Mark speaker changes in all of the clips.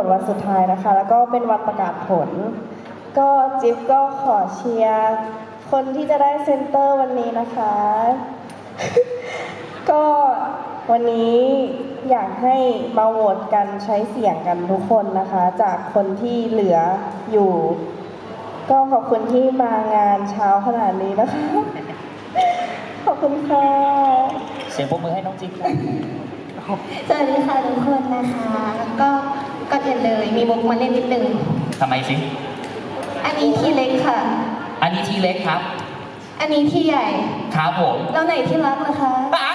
Speaker 1: ตวันสุดท้ายนะคะ แล้วก็เป็นวันประกาศผล ก็จิ๊บก็ขอเชียร์คนที่จะได้เซนเตอร์วันนี้นะคะ ก็วันนี้อยากให้มาโหวตกันใช้เสียงกันทุกคนนะคะ จากคนที่เหลืออยู่ ก็ขอบคุณที่มางานเช้าขนาดนี้นะคะ ขอบคุณค่ะ
Speaker 2: เสียงปรบมือให้น้องจิ๊บครับ
Speaker 3: สวัสดีค่ะทุกคนนะคะก็ก่อนอื่นเลยมีมุกมาเล่นนิดนึง
Speaker 2: ทำไมสิ
Speaker 3: อันนี้ที่เล็กค่ะ
Speaker 2: อันนี้ทีเล็กครับ
Speaker 3: อันนี้ที่ใหญ่
Speaker 2: ครับผม
Speaker 3: แล้วไหนที่รักนะคะ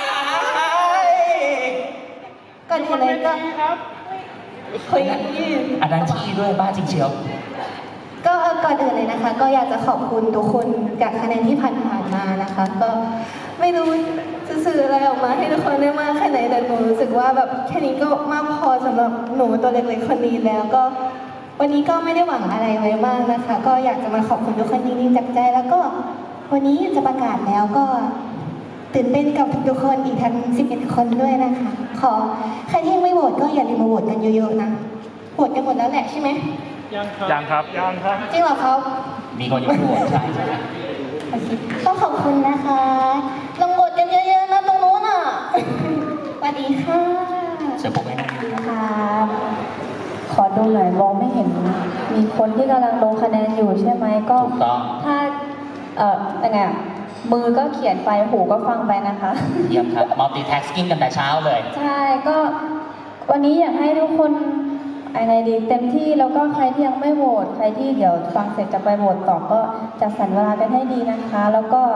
Speaker 3: ก่อนอื่นเลยก็คุยกันยืด
Speaker 2: อันนั้นที่ด้วยบ้าจริงเชียว
Speaker 3: ก็ก่อนอื่นเลยนะคะ ก็อยากจะขอบคุณทุกคนจากคะแนนที่ผ่านมานะคะ ก็ไม่รู้จะสื่ออะไรออกมาให้ทุกคนได้มากแค่ไหนแต่หนูรู้สึกว่าแบบแค่นี้ก็มากพอสำหรับหนูตัวเล็กๆคนนี้แล้วก็วันนี้ก็ไม่ได้หวังอะไรไว้มากนะคะ ก็อยากจะมาขอบคุณทุกคนจริงๆจากใจแล้วก็วันนี้จะประกาศแล้วก็ตื่นเต้นกับทุกๆคนอีกทั้ง11 คนด้วยนะคะ ขอใครที่ยังไม่โหวตก็อย่าลืมมาโหวตกันเยอะๆนะโหวตกันหมดแล้วแหละใช่ไหม
Speaker 4: ยังครับ
Speaker 3: จริงเหรอครับ
Speaker 2: มีคนยกหัวใช่ใช่
Speaker 3: โอเคก็ขอบคุณนะคะลงโหวตกันเยอะๆนะตรงนู้นอ่ะ สวัสดีค่ะ
Speaker 2: เสียงปรบมือให้น้องจิ๊บ
Speaker 1: ครับขอดูหน่อยมองไม่เห็น มีคนที่กำลังลงคะแนนอยู่ใช่ไหมก็
Speaker 2: ถูกต้อง
Speaker 1: ถ้ายังไงอะมือก็เขียนไปหูก็ฟังไปนะคะ
Speaker 2: เยี่ยมครับ multitasking กันแต่เช้าเลย
Speaker 1: ใช่ก็วันนี้อยากให้ทุกคนอะไรดีเต็มที่แล้วก็ใครที่ยังไม่โหวตใครที่เดี๋ยวฟังเสร็จจะไปโหวตต่อก็จัดสรรเวลากันให้ดีนะคะ แล้วก็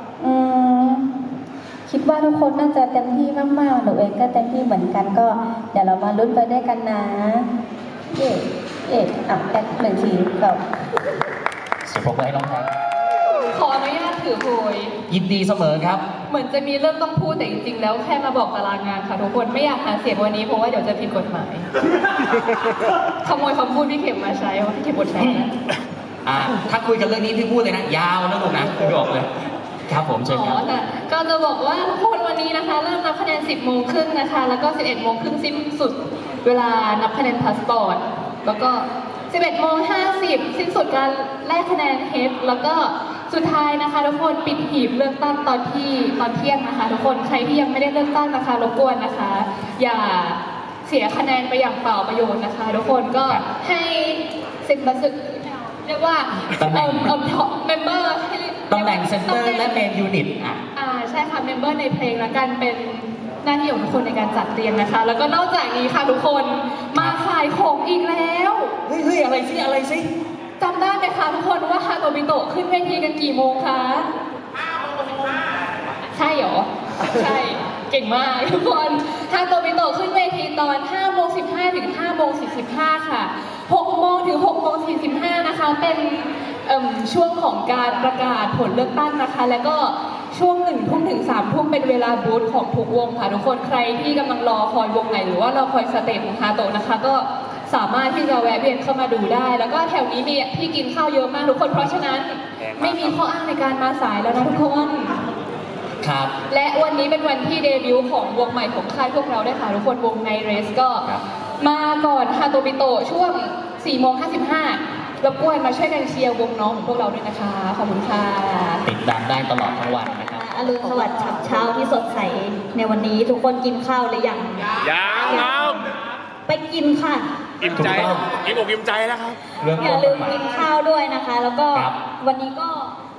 Speaker 1: คิดว่าทุกคนน่าจะเต็มที่มากๆหนูเองก็เต็มที่เหมือนกันก็เดี๋ยวเรามาลุ้นไปด้วยกันนะแอด1 ทีแบบ
Speaker 2: เสียงปรบมือให้น้องแท็ก
Speaker 5: ขออนุญาตถือโพย
Speaker 2: ยินดีเสมอครับ
Speaker 5: เหมือนจะมีเรื่องต้องพูดแต่จริงๆแล้วแค่มาบอกตารางงานค่ะทุกคนไม่อยากหาเสียงวันนี้เพราะว่าเดี๋ยวจะผิดกฎหมาย ขโมยคำพูดพี่เข็มมาใช้ว่าพี่เข็มบทใช้นะ
Speaker 2: ถ้าคุยกันเรื่องนี้พี่พูดเลยนะ ยาวนะลูกนะพี่บอกเลย ครับผมเชิญครับ
Speaker 5: ค่ะก็จะบอกว่าทุกคนวันนี้นะคะ เริ่มนับคะแนน 10 โมงครึ่งนะคะ แล้วก็ 11 โมงครึ่งสิ้นสุดเวลานับคะแนนพาสปอร์ต แล้วก็ 11 โมง 50 สิ้นสุดการแลกคะแนนเฮดแล้วก็สุดท้ายนะคะทุกคนปิดหีบเลือกตั้งตอนเที่ยงนะคะทุกคนใครที่ยังไม่ได้เลือกตั้งนะคะรบกวนนะคะ อย่าเสียคะแนนไปอย่างเปล่าประโยชน์นะคะทุกคนก็ให้สิทธิ์บัตรเรียกว่า
Speaker 2: ตำแหน่ง
Speaker 5: เมมเบอร์ให้
Speaker 2: ตำแหน่งเซนเตอร์และเมนยูนิต
Speaker 5: ใช่ค่ะเมมเบอร์ในเพลงละกันเป็นหน้าที่ของทุกคนในการจัดเรียงนะคะ แล้วก็นอกจากนี้ค่ะทุกคนมาขายของอีกแล้ว
Speaker 2: เฮ้ยอะไรสิ
Speaker 5: จำได้ไหมคะทุกคนว่าฮาโตบิโตะขึ้นเวทีกันกี่โมงคะใช่เหรอ ใช่ เก่งมากทุกคนฮาโตบิโตะขึ้นเวทีตอน5 โมง 15 ถึง 5 โมง 45 ค่ะ 6 โมงถึง 6 โมง 45 นะคะ เป็นช่วงของการประกาศผลเลือกตั้งนะคะ แล้วก็ช่วง1 ทุ่มถึง3 ทุ่มเป็นเวลาบูธของทุกวงค่ะทุกคน ใครที่กำลังรอคอยวงไหนหรือว่ารอคอยสเตจของฮาโตะนะคะ ก็สามารถที่จะแวะเวียนเข้ามาดูได้ แล้วก็แถวนี้มีที่กินข้าวเยอะมากทุกคน เพราะฉะนั้นไม่มีข้ออ้างในการมาสายแล้วนะทุกคน
Speaker 2: ครับ
Speaker 5: และวันนี้เป็นวันที่เดบิวต์ของวงใหม่ของค่ายพวกเราด้วยค่ะทุกคนวงไนเรสก็
Speaker 2: ครับ
Speaker 5: มาก่อนฮาโตบิโตะช่วง 4 โมง 55 รบกวนมาช่วยกันเชียร์วงน้องของพวกเราด้วยนะคะ ขอบคุณค่ะ
Speaker 2: ติดตามได้ตลอดทั้งวันนะครับ
Speaker 3: อรุณสวัสดิ์ฉับเช้าที่สดใสในวันนี้ทุกคนกินข้าวหรือยัง
Speaker 4: ยังครับ
Speaker 3: ไปกินค่ะ
Speaker 4: อิ่มใจ
Speaker 2: ถูกต้อง
Speaker 4: อิ่มอกอิ่มใจแล้วครับ
Speaker 2: เรื่อง
Speaker 3: อย่าลืมกินข้าวด้วยนะคะ แล้วก็
Speaker 2: ครับ
Speaker 3: วันนี้ก็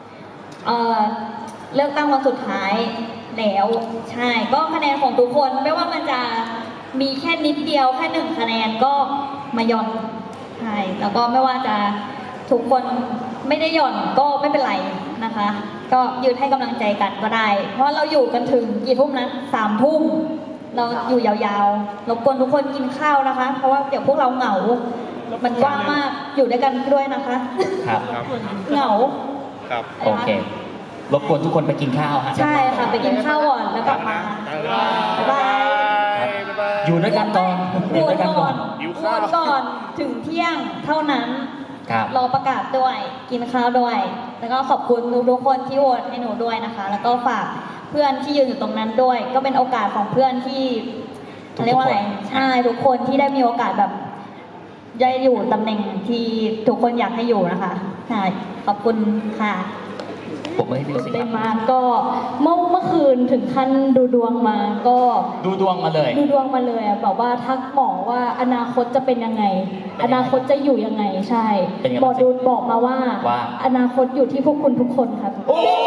Speaker 3: เลือกตั้งวันสุดท้ายแล้วใช่ก็คะแนนของทุกคนไม่ว่ามันจะมีแค่นิดเดียวแค่1 คะแนนก็มาหย่อนใช่แล้วก็ไม่ว่าจะทุกคนไม่ได้หย่อนก็ไม่เป็นไรนะคะ ก็ยืนให้กำลังใจกันก็ได้ เพราะเราอยู่กันถึงกี่ทุ่มนะ3 ทุ่มเราอยู่ยาวๆรบกวนทุกคนกินข้าวนะคะ เพราะว่าเดี๋ยวพวกเราเหงา มันกว้างมากอยู่ด้วยกันด้วยนะคะ
Speaker 2: ครับ
Speaker 3: เหงา
Speaker 4: ครับ
Speaker 2: โอเค รบกวนทุกคนไปกินข้าวฮะ
Speaker 3: ใช่ค่ะไปกินข้าวก่อนแล้วกลับมา บ๊ายบาย
Speaker 2: อยู่ด้วยกันก่อน
Speaker 3: โห
Speaker 2: อยู่
Speaker 3: ว
Speaker 2: ด้
Speaker 3: ต
Speaker 2: วยกัน
Speaker 3: ก่
Speaker 2: ก่
Speaker 3: อ
Speaker 2: อน น
Speaker 4: หิว
Speaker 3: โหว
Speaker 4: ข้าว
Speaker 3: ตก่อนถึงเที่ยงเท่านั้น
Speaker 2: ครับ
Speaker 3: รอประกาศด้วย กินข้าวด้วย แล้วก็ขอบคุณทุกๆคนที่โหวตให้หนูด้วยนะคะ แล้วก็ฝากเพื่อนที่ยืนอยู่ตรงนั้นด้วย ก็เป็นโอกาสของเพื่อนที่
Speaker 2: ทุกๆ
Speaker 3: เรียกว่าอะไร
Speaker 2: คน
Speaker 3: ใช่ทุกคนที่ได้มีโอกาสแบบ
Speaker 6: ได้อยู่ตำแหน่งที่ทุกคนอยากให้อยู่นะคะค่ะขอบคุณค่ะ
Speaker 2: ผมไม่ให้ดูสิค
Speaker 5: ได้
Speaker 2: รับ
Speaker 5: มาก็เมื่อคืนถึงขั้นดูดวงมาก็
Speaker 2: ดูดวงมาเลย
Speaker 5: ดูดวงมาเลยอะแบบว่าทักหมอว่าอนาคตจะเป็นยังไง
Speaker 2: เป็นยังไง
Speaker 5: อนาคตจะอยู่ยังไงใช่
Speaker 2: เป็นยังไง
Speaker 5: หมอดูบอกมาว่า
Speaker 2: ว่า
Speaker 5: อนาคตอยู่ที่พวกคุณทุกคนครับ
Speaker 2: โอ้ย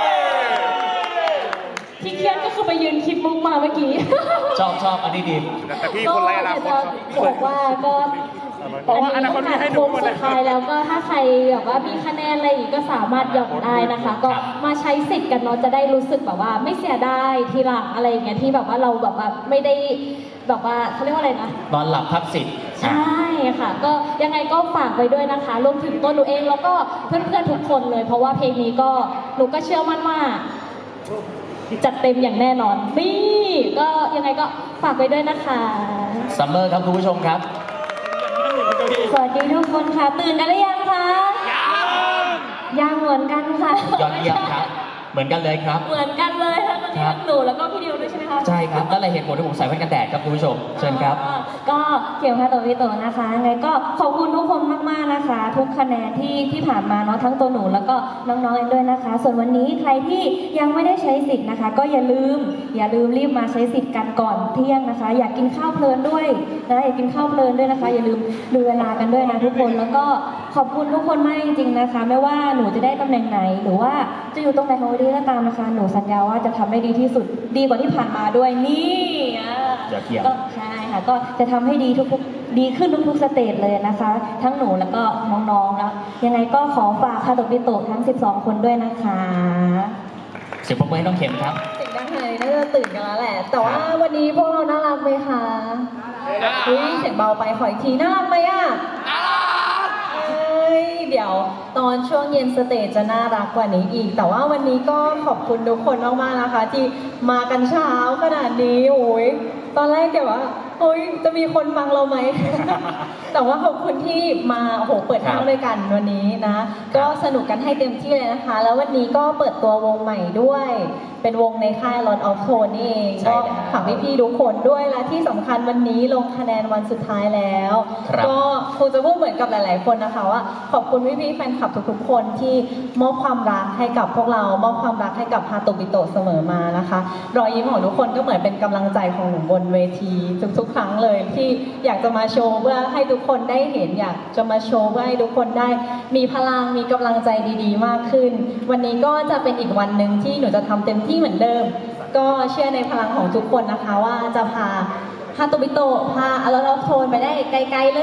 Speaker 5: ที่เครียดก็คือไปยืนคิดมุกมาเมื่อกี้
Speaker 2: ชอบอันนี้ดี
Speaker 4: แต่พี่คนไรอนาคตครับ
Speaker 5: ก็บอกว่าก็
Speaker 4: บอกว่าอนาคตมีให้ดูหมดเลย
Speaker 5: สุดท้ายแล้วก็ถ้าใครแบบว่ามีคะแนนอะไรอีกก็สามารถหย่อนได้นะคะ ก็
Speaker 2: ครับ
Speaker 5: มาใช้สิทธิ์กันเนาะจะได้รู้สึกแบบว่าไม่เสียดายทีหลังอะไรอย่างเงี้ยที่แบบว่าเราแบบว่าไม่ได้แบบว่าเขาเรียกว่าอะไรนะ
Speaker 2: นอนหลับทับสิทธิ์
Speaker 5: ใช่ค่ะ ก็ยังไงก็ฝากไว้ด้วยนะคะรวมถึงตัวหนูเองแล้วก็เพื่อนๆทุกคนเลย เพราะว่าเพลงนี้ก็หนูก็เชื่อมั่นว่าจัดเต็มอย่างแน่นอนนี่ก็ยังไงก็ฝากไว้ด้วยนะคะ
Speaker 2: ซัมเมอร์ครับคุณผู้ชมครับ
Speaker 5: สวัสดีทุกคนค่ะ ตื่นกันหรือยังคะยังเหมือนกันค่ะ
Speaker 2: ยอดเยี่ยมครับ เหมือนกันเลยครับ
Speaker 5: เหมือนกันเลยค่ะตอนนี้
Speaker 2: ครับ
Speaker 5: หนูแล้วก็พี่ดิวด้วยใช่ไหมคะ
Speaker 2: ใช่ครับนั่นแหละเหตุผลที่ผมใส่แว่นกันแดดครับคุณผู้ชม เชิญครับ
Speaker 6: ก็เกี่ยวกับตัววิโตนะคะไงก็ขอบคุณทุกคนมากๆนะคะ ทุกคะแนนที่ผ่านมาเนาะทั้งตัวหนูแล้วก็น้องๆเองด้วยนะคะ ส่วนวันนี้ใครที่ยังไม่ได้ใช้สิทธิ์นะคะ ก็อย่าลืมรีบมาใช้สิทธิ์กันก่อนเที่ยงนะคะ อยากกินข้าวเพลินด้วยนะอยากกินข้าวเพลินด้วยนะคะ อย่าลืมดูเวลากันด้วยนะทุกคนแล้วก็ขอบคุณทุกคนมากจริงๆนะคะ ไม่ว่าหนูจะได้ตำแหน่งไหนหรือว่าจะอยู่ตรงไหนของวันนี้ก็ตามนะคะ หนูสัญญาว่าจะทำให้ดีที่สุดดีกว่าที่ผ่านมาด้วยนี่อ่ะ
Speaker 2: ยอดเยี่ยม
Speaker 6: ก็ใช่ค่ะก็จะทำให้ดีดีขึ้นทุกๆสเตจเลยนะคะ ทั้งหนูแล้วก็น้องๆนะยังไงก็ขอฝากคาโตบิโตะทั้ง 12 คนด้วยนะคะ
Speaker 2: เสียงปรบมือให้น้องเข็มครับ
Speaker 3: เสียงดังขนาดนี้น่าจะตื่นกันแล้วแหละ แต่ว่าวันนี้พวกเราน่ารักไหมคะเฮ้ยเสียงเบาไปขออีกทีน่ารักไหมอ่ะเอ้ยเดี๋ยวตอนช่วงเย็นสเตจจะน่ารักกว่านี้อีก แต่ว่าวันนี้ก็ขอบคุณทุกคนมากๆนะคะ ที่มากันเช้าขนาดนี้โอ้ยตอนแรกเดี๋ยวว่าโอ้ยจะมีคนฟังเราไหม แต่ว่าขอบคุณที่มาโอ้โหเปิดห้างด้วยกันวันนี้นะ ก็สนุกกันให้เต็มที่เลยนะคะ แล้ววันนี้ก็เปิดตัววงใหม่ด้วย เป็นวงในค่าย Lord of Tone นี่เอง
Speaker 2: ใช่
Speaker 3: ก็
Speaker 2: แล้ว
Speaker 3: ฝากพี่ๆทุกคนด้วยและที่สำคัญวันนี้ลงคะแนนวันสุดท้ายแล้ว
Speaker 2: ครับ
Speaker 3: ก็คงจะพูดเหมือนกับหลาย ๆ คนนะคะว่าขอบคุณพี่ๆแฟนคลับทุกๆ คนที่มอบความรักให้กับพวกเรา มอบความรักให้กับฮาโตบิโตะเสมอมานะคะ รอยยิ้มของทุกคนก็เหมือนเป็นกำลังใจของหนูบนเวทีทุกๆ ครั้งเลยที่อยากจะมาโชว์เพื่อให้ทุกคนได้เห็นอยากจะมาโชว์เพื่อให้ทุกคนได้มีพลังมีกำลังใจดีๆ มากขึ้น วันนี้ก็จะเป็นอีกวันหนึ่งที่หนูจะทำเต็มที่เหมือนเดิม ก็เชื่อในพลังของทุกคนนะคะว่าจะพาฮาโตบิโตะพาอาราลอฟโทนไปได้ไกลๆเลย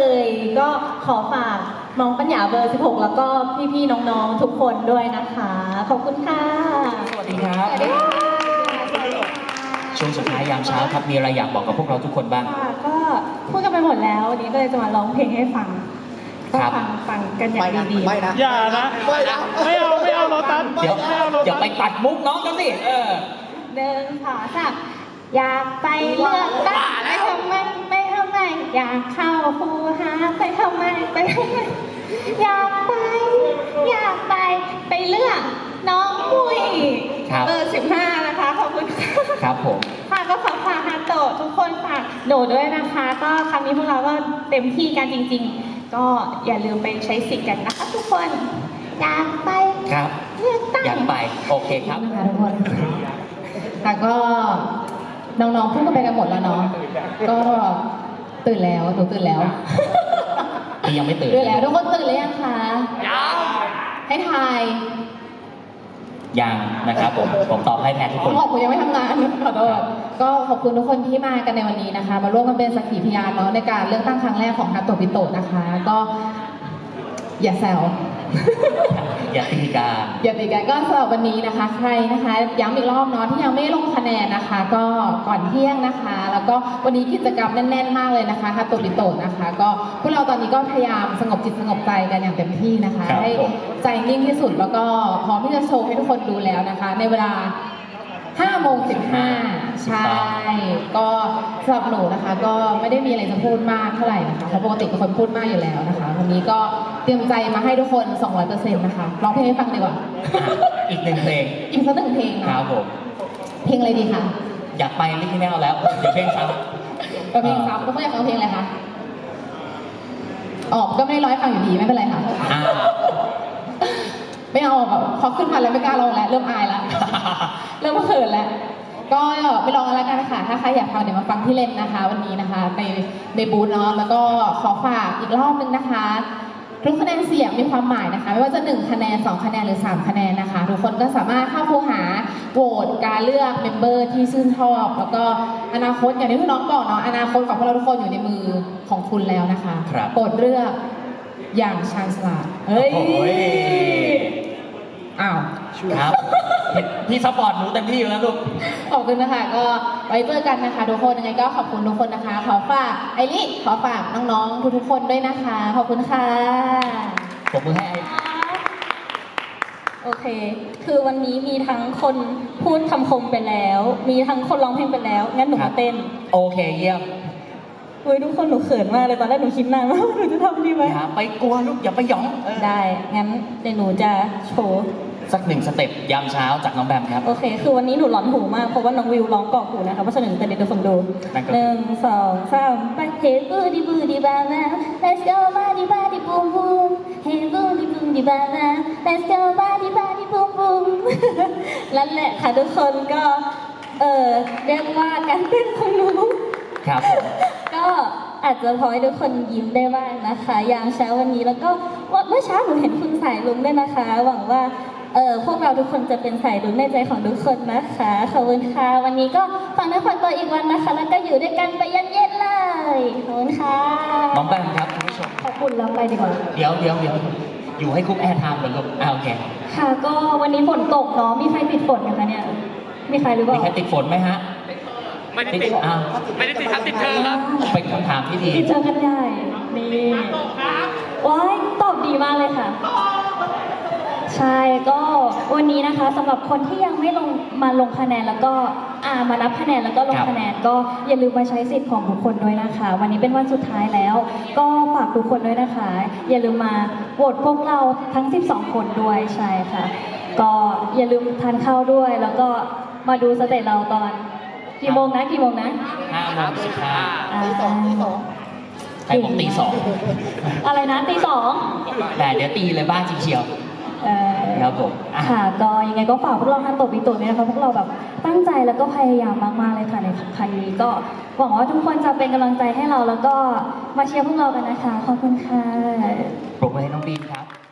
Speaker 3: ก็ขอฝากน้องปัญญาเบอร์ 16 แล้วก็พี่ๆน้องๆทุกคนด้วยนะคะ ขอบคุณค่ะ
Speaker 2: สวัสดีครับ ช่วงสุดท้ายยามเช้าครับ มีอะไรอยากบอกกับพวกเราทุกคนบ้าง
Speaker 7: ค่ะก็พูดกันไปหมดแล้ววันนี้ก็เลยจะมาร้องเพลงให้ฟังก็
Speaker 2: ครับ
Speaker 7: ฟังกันอย่างดีๆ
Speaker 4: อย่านะ ไม่เอาโรตัส
Speaker 2: เดี๋ยวอย่าไปตัดมุกน้องกันสิ
Speaker 7: เดินขอสักอยากไปเลือกตั้งไปทำไมอยากเข้าคูหาไปทำไมอยากไปเลือกน้องปุ้ย
Speaker 2: ครับ
Speaker 7: เบอร์15นะคะขอบคุณค่ะ
Speaker 2: ครับผม
Speaker 7: ค่ะก็ขอฝากฮาโตะทุกคนฝากโดดด้วยนะคะ ก็ครั้งนี้พวกเราก็เต็มที่กันจริง ๆ ก็อย่าลืมไปใช้สิทธิ์กันนะคะทุกคนอยากไป
Speaker 2: ครับ
Speaker 7: เลือกตั้ง
Speaker 2: อยากไป โอเคครับ
Speaker 8: นะคะทุกคนค่ะก็น้องๆพูดกันไปกันหมดแล้วเนาะ ก็ตื่นแล้วหนูตื่นแล้ว
Speaker 2: พี่ยังไม่ตื่น
Speaker 8: ตื่นแล้วทุกคนตื่นหรือยังคะให้ทาย
Speaker 2: ยังนะครับผมตอบให้แทนทุกคน
Speaker 8: ขอบคุณยังไม่ทำงานขอโทษก็ขอบคุณทุกคนที่มากันในวันนี้นะคะ มาร่วมกันเป็นสักขีพยานเนาะในการเลือกตั้งครั้งแรกของฮาโตบิโตะนะคะ ก็อย่าแซว
Speaker 2: อย่าตีกา
Speaker 8: อย่าตีกันก็สำหรับวันนี้นะคะ ใครนะคะย้ำอีกรอบเนาะที่ยังไม่ได้ลงคะแนนนะคะ ก็ก่อนเที่ยงนะคะ แล้วก็วันนี้กิจกรรมแน่นๆมากเลยนะคะฮาโตบิโตะนะคะ ก็พวกเราตอนนี้ก็พยายามสงบจิตสงบใจกันอย่างเต็มที่นะคะ
Speaker 2: ครับ
Speaker 8: ให้
Speaker 2: ผม
Speaker 8: ใจนิ่งที่สุดแล้วก็พร้อมที่จะโชว์ให้ทุกคนดูแล้วนะคะ ในเวลา5:15ใช่ก็สำหรับหนูนะคะ ก็ไม่ได้มีอะไรจะพูดมากเท่าไหร่นะคะเพราะปกติเป็นคนพูดมากอยู่แล้วนะคะวันนี้ก็เตรียมใจมาให้ทุกคน 200%นะคะร้องเพลงให้ฟังดีกว่า
Speaker 2: อีกหนึ่งเพลง
Speaker 8: อีกสักหนึ่งเพลง
Speaker 2: ค
Speaker 8: เนาะ
Speaker 2: รับผม
Speaker 8: เพลงอะไรดีคะ
Speaker 2: อยากไปลิขิตแนวแล้ว เดี๋ยวเพลงซ้
Speaker 8: เอาเพลงซ้ำทุกคนอยากฟังเพลงอะไรคะ
Speaker 2: ำ
Speaker 8: ออกก็ไม่ได้ร้อยฟังอยู่ดีไม่เป็นไรค่ะ
Speaker 2: อ่า
Speaker 8: ไม่เอาแบบพอขึ้นมาแล้วไม่กล้าลองแล้วเริ่มอายแล้ว เริ่มเขินแล้ว ก็ไปลองกันแล้วกันนะคะถ้าใครอยากฟังเดี๋ยวมาฟังที่เล่นนะคะ วันนี้นะคะในบูธเนาะแล้วก็ขอฝากอีกรอบนึงนะคะทุกคะแนนเสียงมีความหมายนะคะ ไม่ว่าจะ1คะแนน2คะแนนหรือ3คะแนนนะคะ ทุกคนก็สามารถเข้าคูหาโหวตการเลือกเมมเบอร์ที่ชื่นชอบแล้วก็อนาคตอย่างที่พี่น้องบอกเนาะอนาคตของพวกเราทุกคนอยู่ในมือของคุณแล้วนะคะ
Speaker 2: ครับ
Speaker 8: โปรดเลือกอย่างชาญฉลาดเฮ้ย
Speaker 2: โอ้ย
Speaker 8: อ้าว
Speaker 2: ครับพี่ซัพพอร์ตหนูเต็มที่อยู่แล้วลูก
Speaker 8: ขอบคุณนะคะก็ไว้เจอกันนะคะทุกคนยังไงก็ขอบคุณทุกคนนะคะ ขอฝากไอริขอฝากน้องๆทุกๆคนด้วยนะคะขอบคุณค่ะ
Speaker 2: ปรบมือให้ไอ้
Speaker 6: โอเค คือวันนี้มีทั้งคนพูดคำคมไปแล้ว มีทั้งคนร้องเพลงไปแล้ว งั้นหนูมาเต้น
Speaker 2: โอเคเยี่ยม
Speaker 6: เฮ้ยทุกคนหนูเขินมากเลยตอนแรกหนูคิดนานว่าหนูจะทำดีไหม
Speaker 2: อย่าไปกลัวลูกอย่าไปหยองเ
Speaker 6: ได้ งั้นเดี๋ยวหนูจะโชว์
Speaker 2: สักหนึ่งสเต็ปยามเช้าจากน้องแบมครับ
Speaker 6: โอเค คือวันนี้หนูร้อนหูมากเพราะว่าน้องวิวร้องกรอกหูนะคะเพราะฉะนั้นแต่เดี๋ยวทุกคนดู
Speaker 2: นั่นก็คือ
Speaker 6: หนึ่งสองสามไป Hey booty booty baba Let's go body body boom boom Hey booty booty baba Let's go body body boom boom นั่นแหละค่ะทุกคนก็เรียกว่าการเต้นของหนู
Speaker 2: ครับผม
Speaker 6: ก็อาจจะพอให้ทุกคนยิ้มได้บ้างนะคะยามเช้าวันนี้แล้วก็เมื่อเช้าหนูเห็นคุณสายลุงด้วยนะคะ หวังว่าพวกเราทุกคนจะเป็นสายลุงในใจของทุกคนนะคะขอบคุณค่ะวันนี้ก็ฟังเนื้อฟังตัวอีกวันนะคะ แล้วก็อยู่ด้วยกันไปเย็นๆเลยขอบคุณค่ะ
Speaker 2: น้องแบมครับคุณผู้ชม
Speaker 6: ขอบคุณแล้วไปดีกว่า
Speaker 2: เดี๋ยวอยู่ให้คุกแอร์ไทม์ก่อนลูกโอเค
Speaker 6: ค่ะก็วันนี้ฝนตกเนาะมีใครติดฝนไหมคะเนี่ยมีใครหรือเป
Speaker 2: มี
Speaker 6: ล่า
Speaker 2: ใครติดฝนไหมฮะ
Speaker 4: ไม่ได้ติด
Speaker 2: อ้าว
Speaker 4: ไม่ได้ติดครับติดเธอครับ
Speaker 2: เป็นคำถามที่ดี
Speaker 6: ติดเจอกันใหญ่นี่ว้ายตอบดีมากเลยค่ะ ใช่ก็วันนี้นะคะสำหรับคนที่ยังไม่ลงคะแนนแล้วก็มานับคะแนนแล้วก็ลง
Speaker 2: ครับ
Speaker 6: คะแนนก็อย่าลืมมาใช้สิทธิ์ของทุกคนด้วยนะคะ วันนี้เป็นวันสุดท้ายแล้ว ก็ฝากทุกคนด้วยนะคะ อย่าลืมมาโหวตพวกเราทั้ง 12 คนด้วยใช่ค่ะ ก็อย่าลืมทานข้าวด้วย แล้วก็มาดูสเตจเราตอนกี่โมงนะ
Speaker 2: 5 โมง 15
Speaker 6: ตีสอง
Speaker 2: ใครบอกตี
Speaker 6: อะไรนะตีสอง
Speaker 2: 2แต่เดี๋ยวตีเลยบ้าจริงเชียว ครับผมอ่ะ
Speaker 6: ค่ะก็ยังไงก็ฝากพวกเราทันโตะปีโตะด้วยนะคะพวกเราแบบตั้งใจแล้วก็พยายามมากๆเลยค่ะในครั้งนี้ก็หวังว่าทุกคนจะเป็นกำลังใจให้เราแล้วก็มาเชียร์พวกเรากันนะคะขอบคุณค่ะ
Speaker 2: ปรบมือให้น้องบีมครับ